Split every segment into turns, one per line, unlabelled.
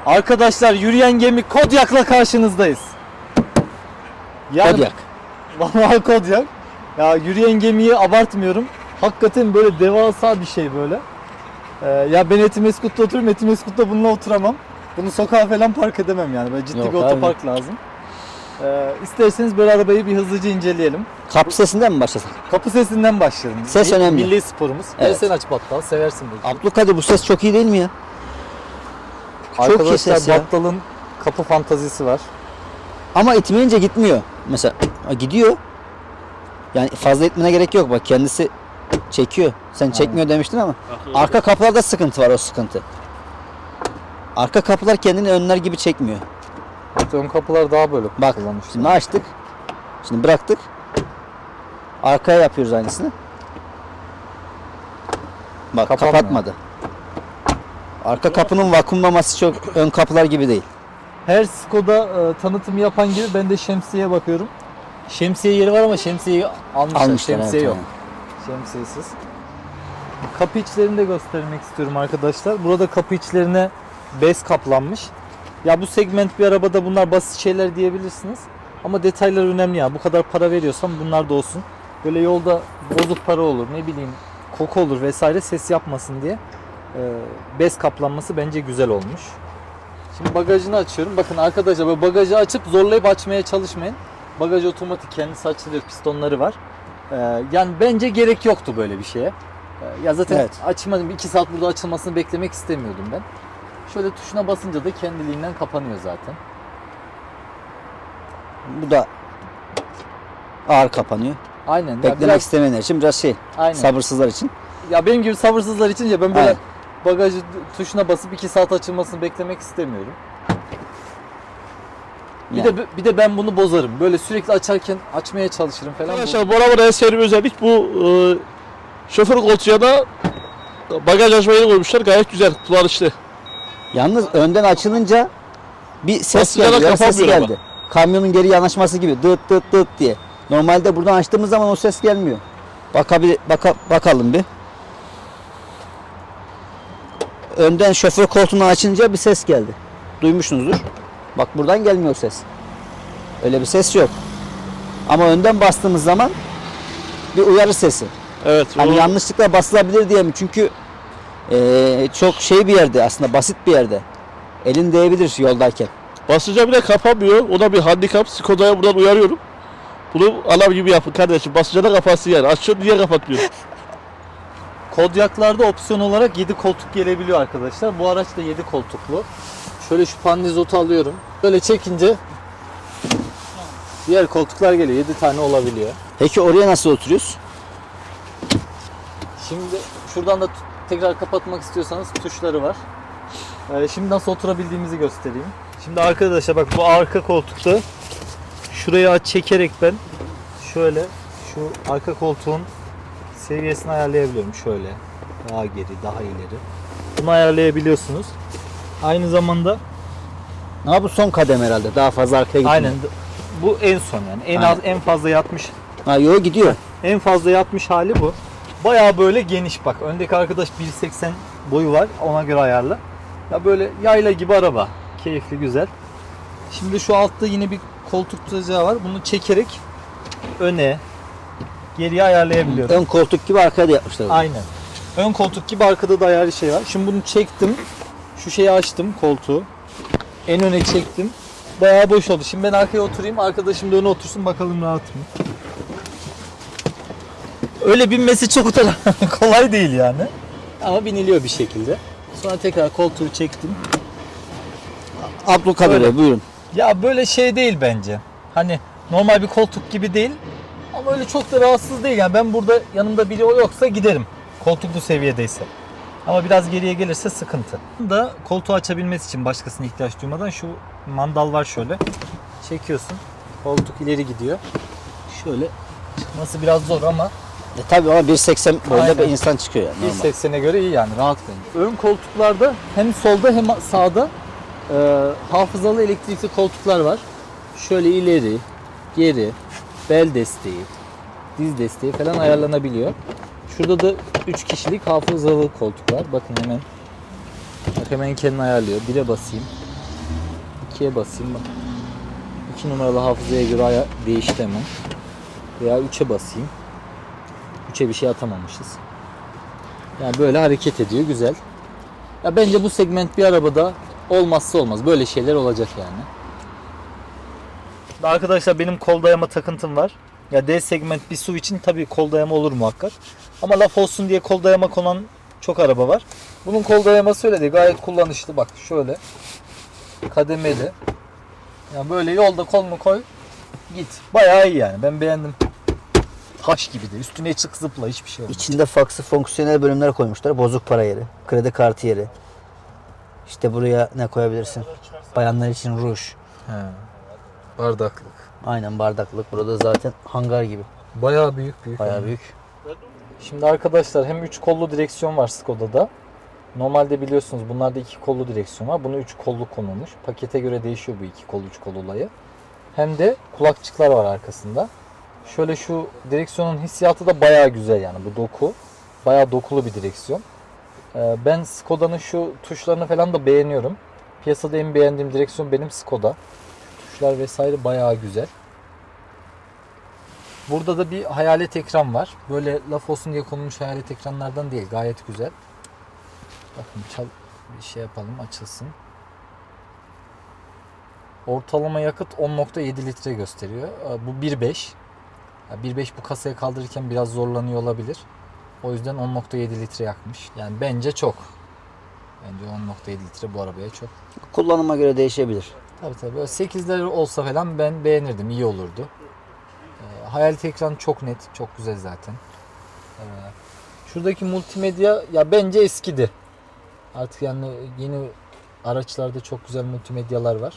Arkadaşlar yürüyen gemi Kodyak'la karşınızdayız. Yani,
Kodyak.
Vallahi Kodyak. Ya yürüyen gemiyi abartmıyorum. Hakikaten böyle devasa bir şey böyle. Ya ben Etimeskut'ta oturuyorum. Etimeskut'ta bununla oturamam. Bunu sokağa falan park edemem yani. Böyle ciddi
Yok
bir otopark lazım. İsterseniz böyle arabayı bir hızlıca inceleyelim.
Kapı sesinden mi başlasak?
Kapı sesinden başlayalım.
Ses önemli.
Milli sporumuz.
Evet.
Sen aç Battal. Seversin belki.
Abdülkadir bu ses çok iyi değil mi ya? Çok iyi
Arkadaşlar
ses ya.
Battal'ın kapı fantazisi var.
Ama itmeyince gitmiyor. Mesela gidiyor. Yani fazla itmene gerek yok. Bak kendisi çekiyor. Sen çekmiyor demiştin ama. Arka kapılarda sıkıntı var, o sıkıntı. Arka kapılar kendini önler gibi çekmiyor.
Ön kapılar daha böyle
Bak
kullanmışlar.
şimdi açtık. Şimdi bıraktık. Arkaya yapıyoruz aynısını. Bak
Kapanmıyor.
kapatmadı. Arka kapının vakumlaması çok ön kapılar gibi değil.
Her Skoda tanıtım yapan gibi ben de şemsiyeye bakıyorum. Şemsiye yeri var ama şemsiyeyi almışlar. Şemsiye
evet,
yok. Şemsiyesiz. Kapı içlerini de göstermek istiyorum arkadaşlar. Burada kapı içlerine bez kaplanmış. Ya bu segment bir arabada bunlar basit şeyler diyebilirsiniz. Ama detaylar önemli ya. Bu kadar para veriyorsam bunlar da olsun. Böyle yolda bozuk para olur, ne bileyim koku olur vesaire, ses yapmasın diye bez kaplanması bence güzel olmuş. Şimdi bagajını açıyorum. Bakın arkadaşlar, böyle bagajı açıp zorlayıp açmaya çalışmayın. Bagaj otomatik, kendisi açılıyor, pistonları var. Yani bence gerek yoktu böyle bir şeye. Ya zaten
Evet.
açmadım. 2 saat burada açılmasını beklemek istemiyordum ben. Şöyle tuşuna basınca da kendiliğinden kapanıyor zaten.
Bu da ağır kapanıyor.
Aynen. Ya
Beklemek
biraz,
istemeyenler için biraz şey,
aynen.
sabırsızlar için.
Ya benim gibi sabırsızlar için ya ben böyle
Aynen.
bagajı tuşuna basıp 2 saat açılmasını beklemek istemiyorum.
Yani.
Bir de ben bunu bozarım. Böyle sürekli açarken açmaya çalışırım falan.
Arkadaşlar bu arabada en sevdiğim özellik bu şoför koltuğuna da bagaj açma yeri koymuşlar. Gayet güzel, kullanışlı.
Yalnız önden açılınca bir ses
Basınca da
geldi. Ses
kapanmıyor
geldi. Kamyonun geri yanaşması gibi dıt dıt dıt diye. Normalde buradan açtığımız zaman o ses gelmiyor. Bakalım bir. Önden şoför koltuğunu açınca bir ses geldi. Duymuşsunuzdur. Bak buradan gelmiyor ses. Öyle bir ses yok. Ama önden bastığımız zaman bir uyarı sesi.
Evet.
Hani yanlışlıkla basılabilir diye mi? Çünkü çok şey bir yerde, aslında basit bir yerde. Elin değebilir yoldayken.
Basınca bile kapanmıyor. O da bir handikap. Skoda'ya buradan uyarıyorum. Bunu alarm gibi yapın kardeşim. Basınca da kapansın yani. Açıyorsun, niye kapatmıyorsun?
Kodyaklarda opsiyon olarak 7 koltuk gelebiliyor arkadaşlar. Bu araç da 7 koltuklu. Şöyle şu pandizotu alıyorum. Böyle çekince diğer koltuklar geliyor. 7 tane olabiliyor.
Peki oraya nasıl oturuyoruz?
Şimdi şuradan da tekrar kapatmak istiyorsanız tuşları var. Şimdi nasıl oturabildiğimizi göstereyim. Şimdi arkadaşlar bak, bu arka koltukta şurayı çekerek ben şöyle şu arka koltuğun seviyesini ayarlayabiliyorum. Şöyle daha geri, daha ileri. Bunu ayarlayabiliyorsunuz. Aynı zamanda
Bu son kadem herhalde. Daha fazla arkaya gitmiyor.
aynen bu en son yani. En az, en fazla yatmış.
Gidiyor.
En fazla yatmış hali bu. Bayağı böyle geniş bak. Öndeki arkadaş 1.80 boyu var. Ona göre ayarla. Ya böyle yayla gibi araba. Keyifli, güzel. Şimdi şu altta yine bir koltuk tutacağı var. Bunu çekerek öne, geriye ayarlayabiliyorum.
Ön koltuk gibi arkaya da yapmışlar.
Aynen. Ön koltuk gibi arkada da ayarlı şey var. Şimdi bunu çektim. Şu şeyi açtım, koltuğu. En öne çektim. Bayağı boş oldu. Şimdi ben arkaya oturayım. Arkadaşım da öne otursun. Bakalım rahat mı? Öyle binmesi çok da kolay değil yani. Ama biniliyor bir şekilde. Sonra tekrar koltuğu çektim.
Abdülkadir
Öyle.
Bey buyurun.
Ya böyle şey değil bence. Hani normal bir koltuk gibi değil. Ama öyle çok da rahatsız değil. Yani ben burada yanımda biri yoksa giderim. Koltuk bu seviyedeyse. Ama biraz geriye gelirse sıkıntı. Da koltuğu açabilmesi için başkasına ihtiyaç duymadan şu mandal var şöyle. Çekiyorsun. Koltuk ileri gidiyor. Şöyle çıkması biraz zor ama
Tabii ama 1.80 boyunda
Aynen.
bir insan çıkıyor yani. normal.
1.80'e göre iyi yani, rahat bence. Ön koltuklarda hem solda hem sağda hafızalı elektrikli koltuklar var. Şöyle ileri, geri, bel desteği, diz desteği falan ayarlanabiliyor. Şurada da 3 kişilik hafızalı koltuk var. Bakın hemen. Bak hemen kendini ayarlıyor. 1'e basayım. 2'ye basayım bak. 2 numaralı hafızaya göre değişti hemen. Veya 3'e basayım. 3'e bir şey atamamışız. Yani böyle hareket ediyor, güzel. Ya bence bu segment bir arabada olmazsa olmaz. Böyle şeyler olacak yani. Arkadaşlar benim kol dayama takıntım var. Ya D segment bir SUV için tabii kol dayama olur muhakkak. Ama laf olsun diye kol dayama konan çok araba var. Bunun kol dayaması öyle değil. Gayet kullanışlı. Bak şöyle. Kademeli. Yani böyle yolda kolunu koy. Git. Bayağı iyi yani. Ben beğendim. Taş gibi de. Üstüne çık zıpla. Hiçbir şey olmaz.
İçinde farklı fonksiyonel bölümler koymuşlar. Bozuk para yeri, kredi kartı yeri. İşte buraya ne koyabilirsin? Bayanlar için ruj.
He. Bardaklık.
Aynen bardaklık. Burada zaten hangar gibi.
Bayağı büyük.
Bayağı büyük.
Şimdi arkadaşlar hem 3 kollu direksiyon var Skoda'da. Normalde biliyorsunuz bunlarda 2 kollu direksiyon var. Bunu 3 kollu konulmuş. Pakete göre değişiyor bu 2 kol 3 kol olayı. Hem de kulakçıklar var arkasında. Şöyle şu direksiyonun hissiyatı da bayağı güzel yani bu doku. Bayağı dokulu bir direksiyon. Ben Skoda'nın şu tuşlarını falan da beğeniyorum. Piyasada en beğendiğim direksiyon benim Skoda. Tuşlar vesaire bayağı güzel. Burada da bir hayalet ekran var. Böyle laf olsun diye konulmuş hayalet ekranlardan değil. Gayet güzel. Bakın bir şey yapalım açılsın. Ortalama yakıt 10.7 litre gösteriyor. Bu 1.5. 1.5 bu kasaya kaldırırken biraz zorlanıyor olabilir. O yüzden 10.7 litre yakmış. Yani bence çok. Bence 10.7 litre bu arabaya çok.
Kullanıma göre değişebilir.
Tabii. Böyle 8'ler olsa falan ben beğenirdim. İyi olurdu. Hayalet ekran çok net. Çok güzel zaten. Şuradaki multimedya ya bence eskidi. Artık yani yeni araçlarda çok güzel multimedyalar var.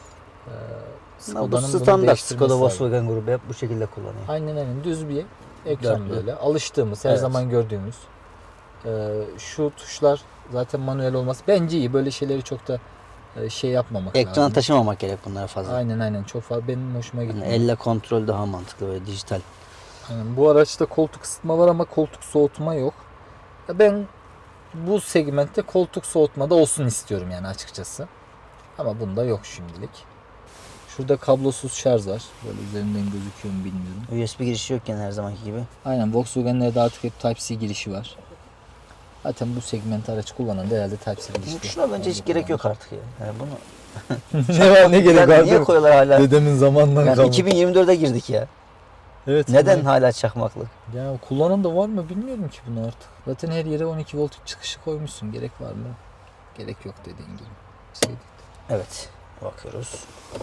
Bu
bunu
standart.
değiştirmesi
Skoda
lazım.
Volkswagen grubu hep bu şekilde kullanıyor.
Aynen düz bir ekran
Dörtlü.
böyle. Alıştığımız, her
Evet.
zaman gördüğümüz. Şu tuşlar zaten manuel olması bence iyi. Böyle şeyleri çok da şey yapmamak
Ekrana
lazım.
taşımamak gerek bunlara fazla.
Aynen çok fazla benim hoşuma
Yani
gidiyor.
elle kontrol daha mantıklı böyle dijital.
Aynen. Bu araçta koltuk ısıtma var ama koltuk soğutma yok. Ya ben bu segmentte koltuk soğutma da olsun istiyorum yani açıkçası. Ama bunda yok şimdilik. Şurada kablosuz şarj var. Böyle üzerinden gözüküyor mu bilmiyorum.
USB girişi yokken her zamanki gibi.
Aynen Volkswagen'lerde artık hep Type-C girişi var. Zaten bu segment araç kullanan da herhalde Type-C girişi.
Şuna bence hiç gerek yok artık ya. Yani bunu
Ne var ne gerek var?
niye koyuyorlar hala?
Dedemin zamanından
Yani
kalmış.
2024'e girdik ya.
Evet.
Neden hala çakmaklık?
Ya kullanan da var mı bilmiyorum ki bunu artık. Zaten her yere 12 volt çıkışı koymuşsun. Gerek var mı? Gerek yok dediğin gibi. Şey değil.
Evet. Bakıyoruz.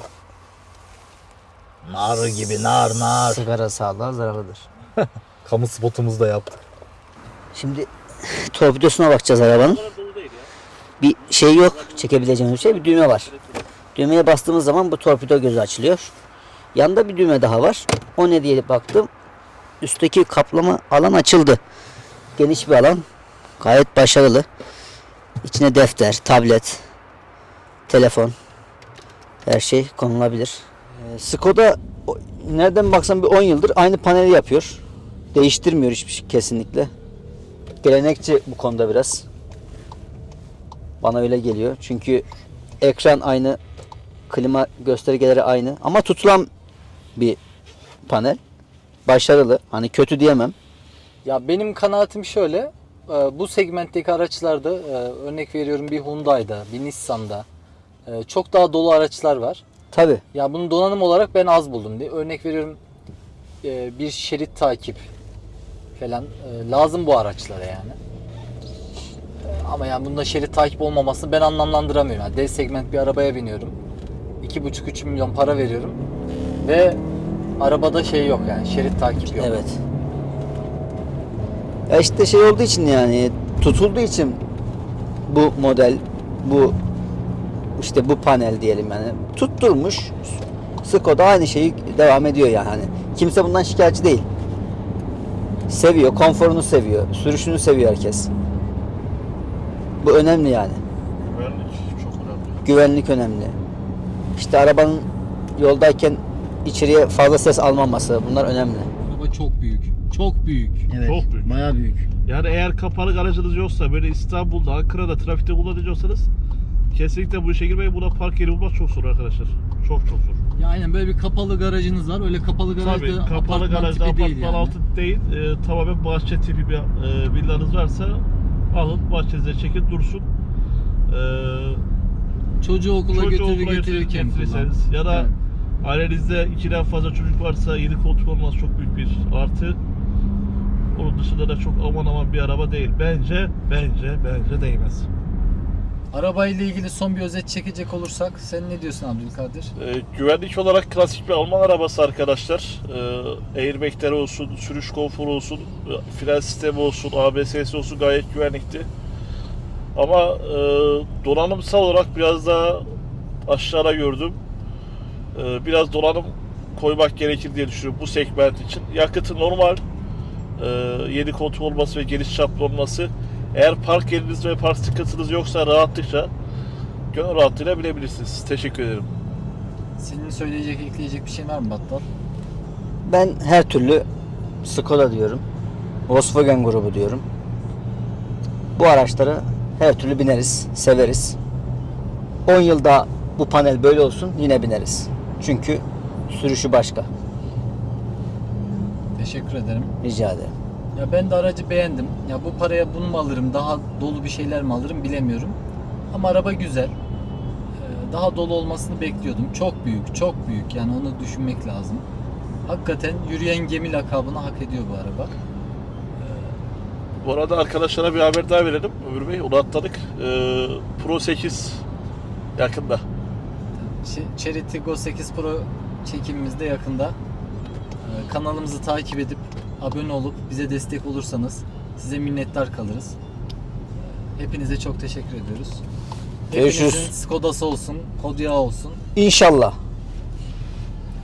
Nar gibi nar.
Sigara sağlığa zararlıdır.
Kamu spotumuzu da yaptık.
Şimdi torpidosuna bakacağız arabanın. Bir şey yok. Çekebileceğimiz bir şey. Bir düğme var. Düğmeye bastığımız zaman bu torpido gözü açılıyor. Yanda bir düğme daha var. O ne diye baktım. Üstteki kaplama alan açıldı. Geniş bir alan. Gayet başarılı. İçine defter, tablet, telefon, her şey konulabilir. Skoda nereden baksan bir 10 yıldır aynı paneli yapıyor. Değiştirmiyor hiçbir şey kesinlikle. Gelenekçi bu konuda biraz. Bana öyle geliyor. Çünkü ekran aynı, klima göstergeleri aynı ama tutulan bir panel. Başarılı. Hani kötü diyemem.
Ya benim kanaatim şöyle. Bu segmentteki araçlarda örnek veriyorum bir Hyundai'da, bir Nissan'da çok daha dolu araçlar var.
Tabii.
Ya bunu donanım olarak ben az buldum. Örnek veriyorum bir şerit takip falan lazım bu araçlara yani. Ama yani bunda şerit takip olmamasını ben anlamlandıramıyorum. Yani D segment bir arabaya biniyorum. 2,5-3 milyon para veriyorum. Ve arabada şey yok yani şerit takip yok.
Evet. Ya işte şey olduğu için yani tutulduğu için bu model, bu işte bu panel diyelim yani tutturmuş. Skoda aynı şeyi devam ediyor yani. Hani kimse bundan şikayetçi değil. Seviyor, konforunu seviyor, sürüşünü seviyor herkes. Bu önemli yani.
Güvenlik çok önemli.
Güvenlik önemli. İşte arabanın yoldayken içeriye fazla ses almaması bunlar önemli.
Araba çok büyük. Çok büyük.
Evet.
Çok büyük.
Bayağı büyük.
Yani eğer kapalı aracınız yoksa böyle İstanbul'da, Ankara'da trafikte kullanacaksanız Kesinlikle bu işe girmeyin. Buna park yeri bulmak çok zor arkadaşlar. Çok zor.
Ya aynen böyle bir kapalı garajınız var. Öyle kapalı garajda
Tabii kapalı
apartman
garajda
tipi değil
apartman
yani.
altı değil. Tamamen bahçe tipi bir villanız varsa alın bahçenize çekin dursun.
Çocuğu okula
Çocuğu
götürür
okula
getirirken kullan.
getirirseniz ya da
Evet.
ailenizde 2'den fazla çocuk varsa 7 koltuk olması çok büyük bir artı. Onun dışında da çok aman bir araba değil. Bence değmez.
Arabayla ilgili son bir özet çekecek olursak sen ne diyorsun Abdülkadir?
Güvenlik olarak klasik bir Alman arabası arkadaşlar. Airbag'leri olsun, sürüş konforu olsun, fren sistemi olsun, ABS'si olsun gayet güvenlikti. Ama donanımsal olarak biraz daha aşağıda gördüm. Biraz donanım koymak gerekir diye düşünüyorum bu segment için. Yakıtı normal. 7 koltuk olması ve geniş çaplı olması. Eğer park yeriniz ve park sıkıntınız yoksa rahatlıkla gönül rahatlığıyla binebilirsiniz. Teşekkür ederim.
Senin söyleyecek, ekleyecek bir şey var mı Battal?
Ben her türlü Skoda diyorum. Volkswagen grubu diyorum. Bu araçlara her türlü bineriz, severiz. 10 yılda bu panel böyle olsun yine bineriz. Çünkü sürüşü başka.
Teşekkür ederim.
Rica ederim.
Ya ben de aracı beğendim. Ya bu paraya bunu mu alırım, daha dolu bir şeyler mi alırım bilemiyorum. Ama araba güzel. Daha dolu olmasını bekliyordum. Çok büyük, çok büyük. Yani onu düşünmek lazım. Hakikaten yürüyen gemi lakabını hak ediyor bu araba.
Bu arada arkadaşlara bir haber daha verelim. Ömür Bey, onu atladık. Pro 8 yakında.
Chery Tiggo 8 Pro çekimimiz de yakında. Kanalımızı takip edip abone olup bize destek olursanız size minnettar kalırız. Hepinize çok teşekkür ediyoruz.
Görüşürüz.
Hepinizin Skoda'sı olsun, Kodiaq olsun.
İnşallah.